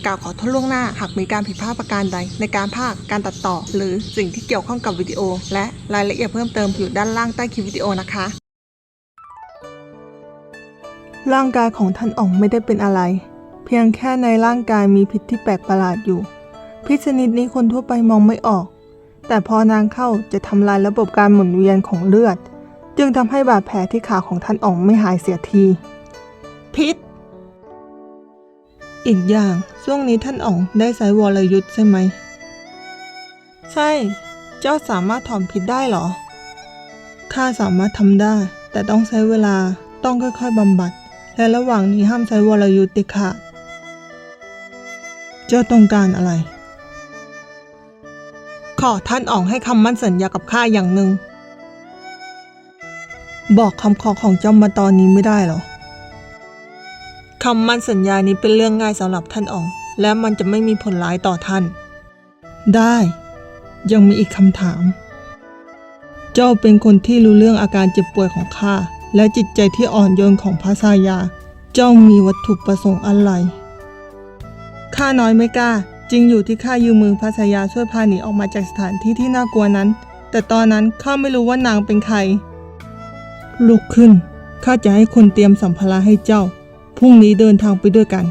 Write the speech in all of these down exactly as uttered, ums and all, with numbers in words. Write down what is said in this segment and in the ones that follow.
กล่าวขอโทษล่วงหน้าหากมีการผิดพลาดประการใดในการพากย์การตัดต่อหรือสิ่งที่เกี่ยวข้องกับวิดีโอและรายละเอียดเพิ่มเติมอยู่ด้านล่างใต้คลิปวิดีโอนะคะร่างกายของท่านอ๋องไม่ได้เป็นอะไรเพียงแค่ในร่างกายมีพิษที่แปลกประหลาดอยู่พิษชนิดนี้คนทั่วไปมองไม่ออกแต่พอนานเข้าจะทำลายระบบการหมุนเวียนของเลือดจึงทำให้บาดแผลที่ขาของท่านอ๋องไม่หายเสียทีพิษอีกอย่างช่วงนี้ท่านอ๋องได้ใช้วรยุทธ์ใช่ไหมใช่เจ้าสามารถถอนพิษได้เหรอข้าสามารถทำได้แต่ต้องใช้เวลาต้องค่อยๆบำบัดและระหว่างนี้ห้ามใช้วรยุทธ์เด็ดขาดเจ้าต้องการอะไรขอท่านอ๋องให้คำมั่นสัญญากับข้าอย่างหนึ่งบอกคำขอของเจ้ามาตอนนี้ไม่ได้หรอคำมั่นสัญญานี้เป็นเรื่องง่ายสำหรับท่านอ๋องและมันจะไม่มีผลร้ายต่อท่านได้ยังมีอีกคำถามเจ้าเป็นคนที่รู้เรื่องอาการเจ็บป่วยของข้าและจิตใจที่อ่อนโยนของพระสายาเจ้ามีวัตถุประสงค์อะไรข้าน้อยไม่กล้าจริงอยู่ที่ข้ายืมมือพระสายาช่วยพาหนีออกมาจากสถานที่ที่น่ากลัวนั้นแต่ตอนนั้นข้าไม่รู้ว่านางเป็นใครลุกขึ้นข้าจะให้คนเตรียมสัมภาระให้เจ้าพรุ่งนี้เดินทางไปด้วยกัน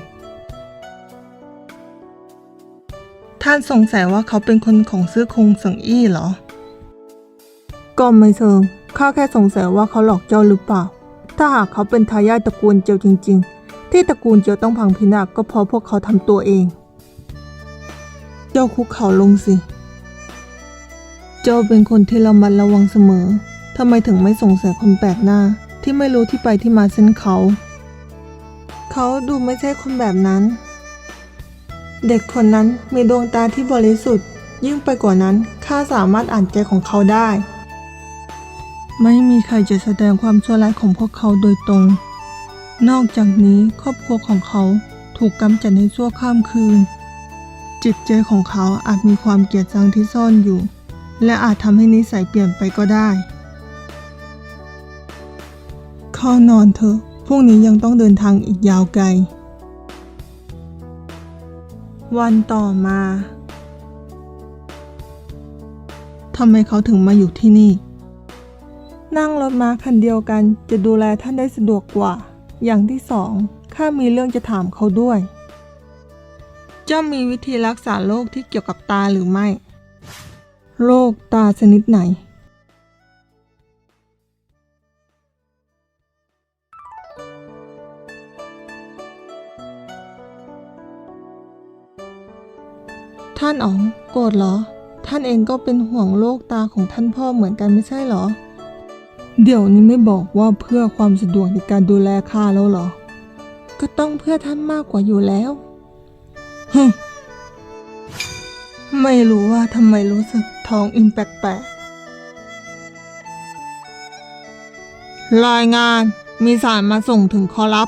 ท่านสงสัยว่าเขาเป็นคนของซื้อคงสังอี้เหรอก็ไม่เชิงข้าแค่สงสัยว่าเขาหลอกเจ้าหรือเปล่าถ้าหากเขาเป็นทายาทตระกูลเจียวจริงๆที่ตระกูลเจียวต้องพังพินาศก็เพราะพวกเขาทำตัวเองเจ้าคุกเข่าลงสิเจ้าเป็นคนที่ระมัดระวังเสมอทำไมถึงไม่สงสัยคนแปลกหน้าที่ไม่รู้ที่ไปที่มาเส้นเขาเขาดูไม่ใช่คนแบบนั้นเด็กคนนั้นมีดวงตาที่บริสุทธิ์ยิ่งไปกว่านั้นข้าสามารถอ่านใจของเขาได้ไม่มีใครจะแสดงความชั่วร้ายของพวกเขาโดยตรงนอกจากนี้ครอบครัวของเขาถูกกำจัดในชั่วข้ามคืนจิตใจของเขาอาจมีความเกลียดชังที่ซ่อนอยู่และอาจทำให้นิสัยเปลี่ยนไปก็ได้เข้านอนเถอะพรุ่งนี้ยังต้องเดินทางอีกยาวไกลวันต่อมาทำไมเขาถึงมาอยู่ที่นี่นั่งรถม้าคันเดียวกันจะดูแลท่านได้สะดวกกว่าอย่างที่สองข้ามีเรื่องจะถามเขาด้วยเจ้ามีวิธีรักษาโรคที่เกี่ยวกับตาหรือไม่โรคตาชนิดไหนท่านอ๋องโกรธเหรอท่านเองก็เป็นห่วงโรคตาของท่านพ่อเหมือนกันไม่ใช่เหรอเดี๋ยวนี้ไม่บอกว่าเพื่อความสะดวกในการดูแลข้าแล้วเหรอก็ต้องเพื่อท่านมากกว่าอยู่แล้วฮึไม่รู้ว่าทำไมรู้สึกท้องอิ่มแปลกๆรายงานมีสารมาส่งถึงขอรับ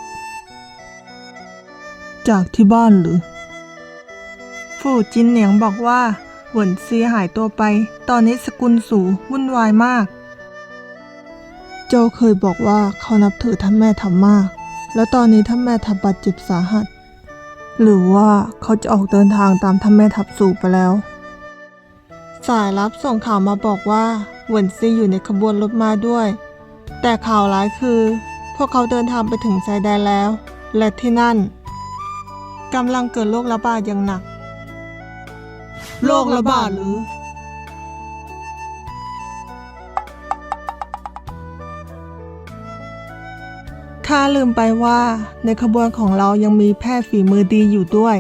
จากที่บ้านหรือฟู่จินเหนียงบอกว่าเหวินซีหายตัวไปตอนนี้สกุลสู่วุ่นวายมากเจ้าเคยบอกว่าเขานับถือท่านแม่ทัพมากแล้วตอนนี้ท่านแม่ทัพบาดเจ็บสาหัสหรือว่าเขาจะออกเดินทางตามท่านแม่ทัพสู่ไปแล้วสายลับส่งข่าวมาบอกว่าเหวินซีอยู่ในขบวนรถม้าด้วยแต่ข่าวร้ายคือพวกเขาเดินทางไปถึงชายแดนแล้วและที่นั่นกำลังเกิดโรคระบาดอย่างหนักโรคระบาดหรือข้าลืมไปว่าในขบวนของเรายังมีแพทย์ฝีมือดีอยู่ด้วย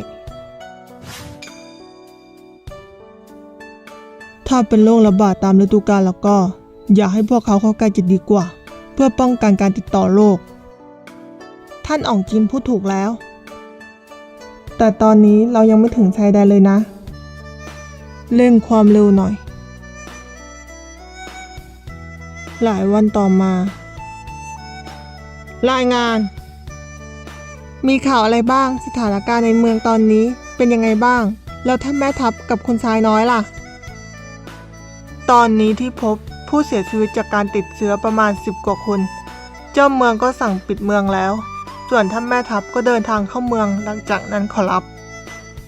ถ้าเป็นโรคระบาดตามฤดูกาลแล้วก็อย่าให้พวกเขาเข้าใกล้จะดีกว่าเพื่อป้องกันการติดต่อโรคท่านอ๋องจินพูดถูกแล้วแต่ตอนนี้เรายังไม่ถึงชายแดนเลยนะเร่งความเร็วหน่อยหลายวันต่อมารายงานมีข่าวอะไรบ้างสถานการณ์ในเมืองตอนนี้เป็นยังไงบ้างแล้วท่านแม่ทัพกับคุณชายน้อยล่ะตอนนี้ที่พบผู้เสียชีวิตจากการติดเชื้อประมาณสิบกว่าคนเจ้าเมืองก็สั่งปิดเมืองแล้วส่วนท่านแม่ทัพก็เดินทางเข้าเมืองหลังจากนั้นขอรับ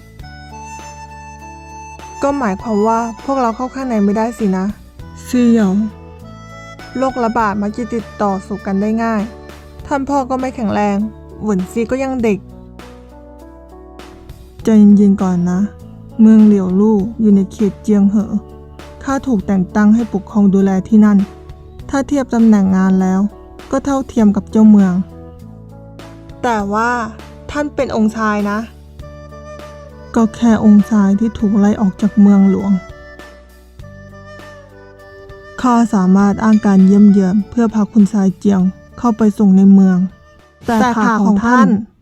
ก็หมายความว่าพวกเราเข้าข้างในไม่ได้สินะซีเหยาโรคระบาดมักจะติดต่อสู่กันได้ง่ายท่านพ่อก็ไม่แข็งแรงหวนซีก็ยังเด็กใจเย็นๆก่อนนะเมืองเหลียวลู่อยู่ในเขตเจียงเหอข้าถูกแต่งตั้งให้ปกครองดูแลที่นั่นถ้าเทียบตำแหน่งงานแล้วก็เท่าเทียมกับเจ้าเมืองแต่ว่าท่านเป็นองค์ชายนะก็แค่องค์ชายที่ถูกไล่ออกจากเมืองหลวงข้าสามารถอ้างการเยี่ยมเยือนเพื่อพาคุณชายเจียงเข้าไปส่งในเมืองแต่ขาของท่าน